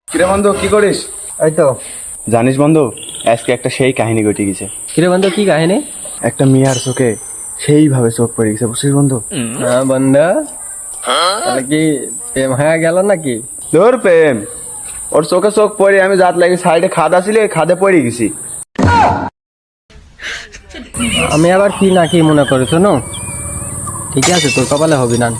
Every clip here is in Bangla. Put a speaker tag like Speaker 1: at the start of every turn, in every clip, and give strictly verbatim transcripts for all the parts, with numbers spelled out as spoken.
Speaker 1: কিরে বন্ধু কি করিস?
Speaker 2: এই তো।
Speaker 1: জানিস বন্ধু, আজকে একটা সেই কাহিনী ঘটে গেছে।
Speaker 2: কিরে বন্ধু, কি কাহিনী?
Speaker 1: একটা মেয়ার চোখে সেইভাবে চোখ পড়ে গেছে, বুঝছিস বন্ধু?
Speaker 2: হ্যাঁ বন্ধু, তাহলে কি প্রেম হয়ে গেল নাকি?
Speaker 1: তোর প্রেম, ওর চোখে চোখ পড়ে আমি জাত লাগি সাইডে খাদ আসিল, ওই খাদে পড়ে গেছি।
Speaker 2: আমি আবার কি না কি মনে করি, শোনো ঠিক আছে, তোর কপালে হবি না।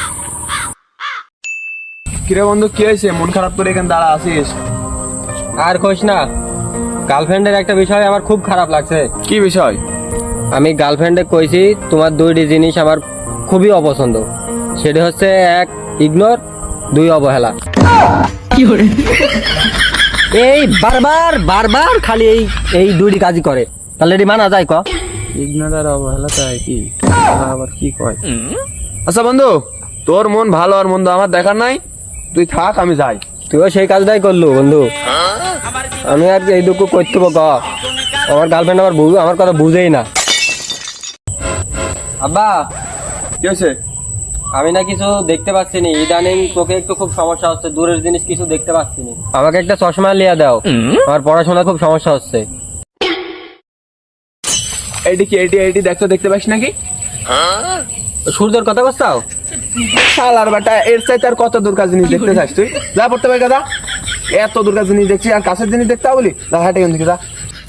Speaker 1: কিরে বন্ধু কি হয়েছে, মন খারাপ করে এখানে দাঁড়া আসিস?
Speaker 2: আর কইস না, গার্লফ্রেন্ডের একটা বিষয় আমার খুব খারাপ লাগছে।
Speaker 1: কি বিষয়?
Speaker 2: আমি গার্লফ্রেন্ডে কইছি তোমার দুইটি জিনিস আমার খুবই অপছন্দ। সেটা হচ্ছে এক ইগনোর, দুই অবহেলা। এই বারবার বারবার খালি এই এই দুইটি কাজই করে, তাহলে এটি মানা যায়? ক
Speaker 1: ইগনোর আর অবহেলা তো একই, আবার কি কয়? আচ্ছা বন্ধু, তোর মন ভালো আর মন্দ আমার দেখার নাই, তুই থাক আমি যাই।
Speaker 2: তুইও সেই কাজটাই করলু বন্ধু। আমি আর এইটুকু করতে ক, আমার গার্লফ্রেন্ড আমার বুঝ আমার কথা বুঝেই না। আব্বা,
Speaker 1: কি হয়েছে?
Speaker 2: আমি না কিছু দেখতে পাচ্ছি নি, ইদানিং তোকে একটু খুব সমস্যা হচ্ছে, দূরের জিনিস কিছু দেখতে পাচ্ছি নি। আমাকে একটা চশমা লিয়া দাও, আমার পড়াশোনা খুব সমস্যা হচ্ছে।
Speaker 1: এইটি কি এইটি এইটি দেখতে দেখতে পাস নাকি?
Speaker 2: সূর্যের কথা বলছাও?
Speaker 1: শালার বেটা, এর চাইতে আর কত দূরকার জিনিস দেখতে চাস তুই? যা পড়তে পারি দাদা, এত দূরকার জিনিস দেখছি আর কাছের জিনিস দেখতে বলি? যা হাটে এখান থেকে যা।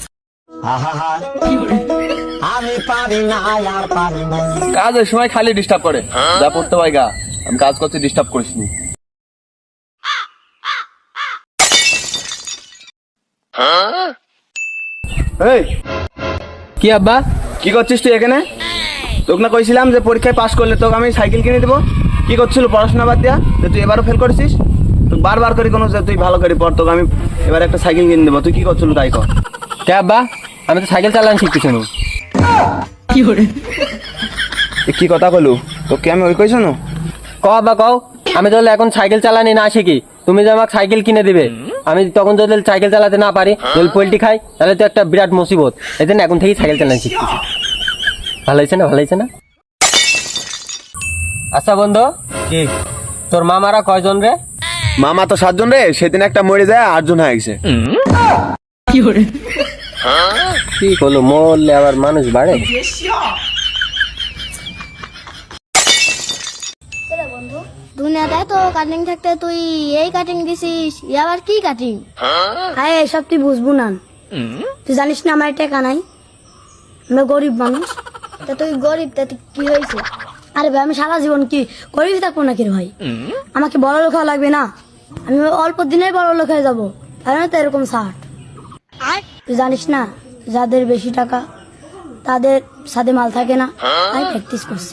Speaker 1: কাজের সময় খালি ডিস্টার্ব করে, যা পড়তে পারি গা, আমি কাজ করছি, ডিস্টার্ব করিস নি। এই
Speaker 2: কি আব্বা?
Speaker 1: কি করছিস তুই এখানে? তোকে না কইছিলাম যে পরীক্ষায় পাশ করলে তোকে আমি সাইকেল কিনে দেবো। কি করছিল পড়াশোনা বাদ দিয়া, যে তুই এবারও ফেল করেছিস? তুই বারবার করে কোনো যে তুই ভালো করে পড়, তোকে আমি এবার একটা সাইকেল কিনে দেবো। তুই কি করছিল তাই কর।
Speaker 2: কে আব্বা, আমি তো সাইকেল চালানো শিখতেছি না। কি করে
Speaker 1: কি কথা কলু, তোকে আমি ওই কইছ না?
Speaker 2: ক আব্বা কও, আমি তাহলে এখন সাইকেল চালানি না শিখি, তুমি যে আমাকে সাইকেল কিনে দিবে, আমি তখন যদি সাইকেল চালাতে না পারি, যদি পোল্ট্রি খাই, তাহলে তো একটা বিরাট মুসিবত। এই জন্য এখন থেকেই সাইকেল চালানো শিখতেছি। ভালো হয়েছে না? ভালো হয়েছে না? আচ্ছা বন্ধু,
Speaker 1: কি
Speaker 2: তোর মামারা কয়জন রে?
Speaker 1: মামা তো সাতজন রে, সেদিন একটা মরে যায়, আটজন হয়ে গেছে।
Speaker 2: কি করে কি করলো, মরলে আবার মানুষ বাড়ে?
Speaker 3: দুনিয়াটায় তো কাটিং থাকতে তুই এই কাটিং দিছিস, আবার কি কাটিং? হ্যাঁ এসব তুই বুঝবো না, তুই জানিস না আমার টাকা নাই, আমরা গরিব মানুষ। তা তুই গরিব, তা কি হয়েছে? আরে ভাই আমি সারা জীবন কি গরিব থাকবো নাকি রে ভাই? আমাকে বড় লোক হওয়া লাগবে না, আমি অল্প দিনের বড় লোক হয়ে যাবো, তাই না? তো এরকম শার্ট তুই জানিস না, যাদের বেশি টাকা তাদের সাথে মাল থাকে না, তাই প্র্যাকটিস করছি।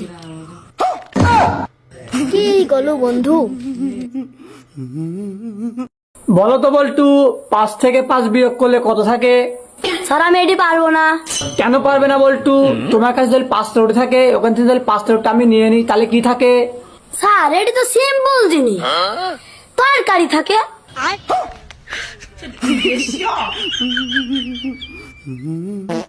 Speaker 3: কি গেল বন্ধু?
Speaker 4: বলো তো বল্টু, পাঁচ থেকে পাঁচ বিয়োগ করলে কত থাকে?
Speaker 3: স্যার আমি এটি পারবো না।
Speaker 4: কেন পারবে না বল্টু? তোমার কাছে যদি পাঁচ রোড থাকে, ওখান থেকে যদি পাঁচ রোডটা আমি নিয়ে নিই, তাহলে কি থাকে?
Speaker 3: স্যার এটি তো সিম্পল জিনিস, তরকারি থাকে।